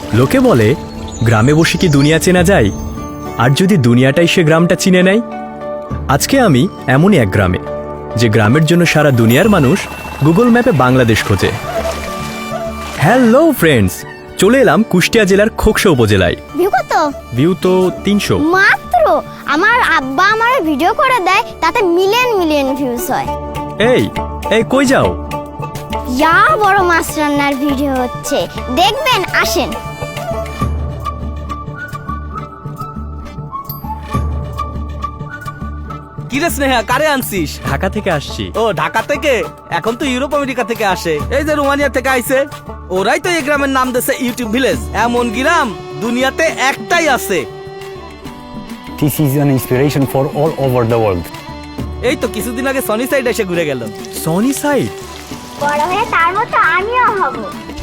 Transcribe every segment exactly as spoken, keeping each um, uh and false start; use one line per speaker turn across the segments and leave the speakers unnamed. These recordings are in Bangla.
লোকে বলে গ্রামে বসে কি দুনিয়া চেনা যায়, আর যদি দুনিয়াটাই সে গ্রামটা চিনে নেয়। আজকে আমি এমনই এক গ্রামে, যে গ্রামের জন্য সারা দুনিয়ার মানুষ গুগল ম্যাপে বাংলাদেশ খোঁজে। হ্যালো ফ্রেন্ডস, চলে এলাম কুষ্টিয়া জেলার খোকসা উপজেলায়।
ভিউ কত?
ভিউ তো তিনশো
মাত্র। আমার আব্বা আমার ভিডিও করে দেয়, তাতে মিলিয়ন মিলিয়ন ভিউজ হয়।
এই এই কই যাও?
ইয়া বড় মাছ রান্নার ভিডিও হচ্ছে, দেখবেন, আসেন।
কিরে স্নেহা, কারে আনছিস?
ঢাকা থেকে আসছি।
ও ঢাকা থেকে? এখন তো ইউরোপ আমেরিকা থেকে আসে। এই যে রোমানিয়া থেকে আইছে, ওরাই তো এই গ্রামের নাম দিয়েছে ইউটিউব ভিলেজ। এমন গ্রাম দুনিয়াতে একটাই আছে।
This is an inspiration for all over the world.
এই তো কিছুদিন আগে সনি সাইড এসে ঘুরে গেল।
সনি সাইড?
বড় হয়ে তার মতো আমিও হব।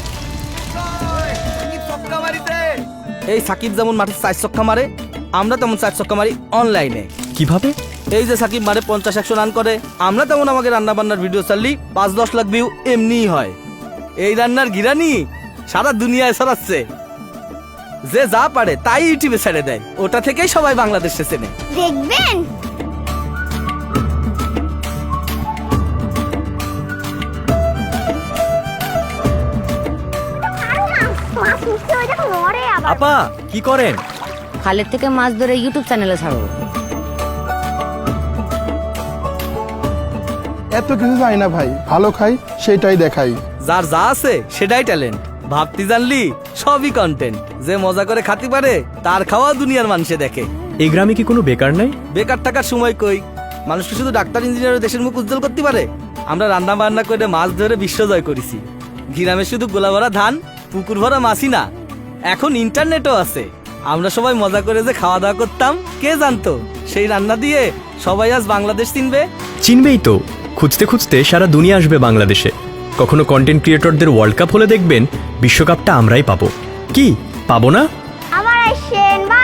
এই সাকিব যেমন মাঠে চার ছক্কা মারে, আমরা তেমন চার ছক্কা মারি অনলাইনে।
কিভাবে?
এই যে সাকিব মারে পঞ্চাশ একশো রান করে, আমরা তেমন আমাকে রান্না বান্নার ভিডিও চাললি পাঁচ দশ লাখ ভিউ এমনিই হয়। এই রান্নার গিরানি সারা দুনিয়ায় ছড়াচ্ছে। যে যা পারে তাই ইউটিউবে ছেড়ে দেয়, ওটা থেকেই সবাই বাংলাদেশে চেনে।
দেখবেন।
আপা কি করেন?
খালের থেকে মাছ ধরে ইউটিউব চ্যানেলে ছাড়বো।
এত কিছু যাই না ভাই, ভালো খাই সেটাই দেখাই।
যার যা আছে সেটাই ট্যালেন্ট। ভাবতে জানলি সবই কন্টেন্ট। যে মজা করে খাতে পারে তার খাওয়া দুনিয়ার মানুষে দেখে।
এই গ্রামে কি কোনো বেকার নাই?
বেকার থাকার সময় কই? মানুষকে শুধু ডাক্তার ইঞ্জিনিয়ার দেশের মুখ উজ্জ্বল করতে পারে। আমরা রান্না বান্না করে মাছ ধরে বিশ্ব জয় করেছি। গ্রামে শুধু গোলা ভরা ধান, পুকুর ভরা মাছই না, এখন ইন্টারনেটও আছে। আমরা সবাই মজা করে যে খাওয়া দাওয়া করতাম, কে জানতো সেই রান্না দিয়ে সবাই আজ বাংলাদেশ চিনবে।
চিনবেই তো। খুঁজতে খুঁজতে সারা দুনিয়া আসবে বাংলাদেশে। কখনো কন্টেন্ট ক্রিয়েটরদের ওয়ার্ল্ড কাপ হলে দেখবেন বিশ্বকাপটা আমরাই পাবো। কি পাবো না?
আমার আসেন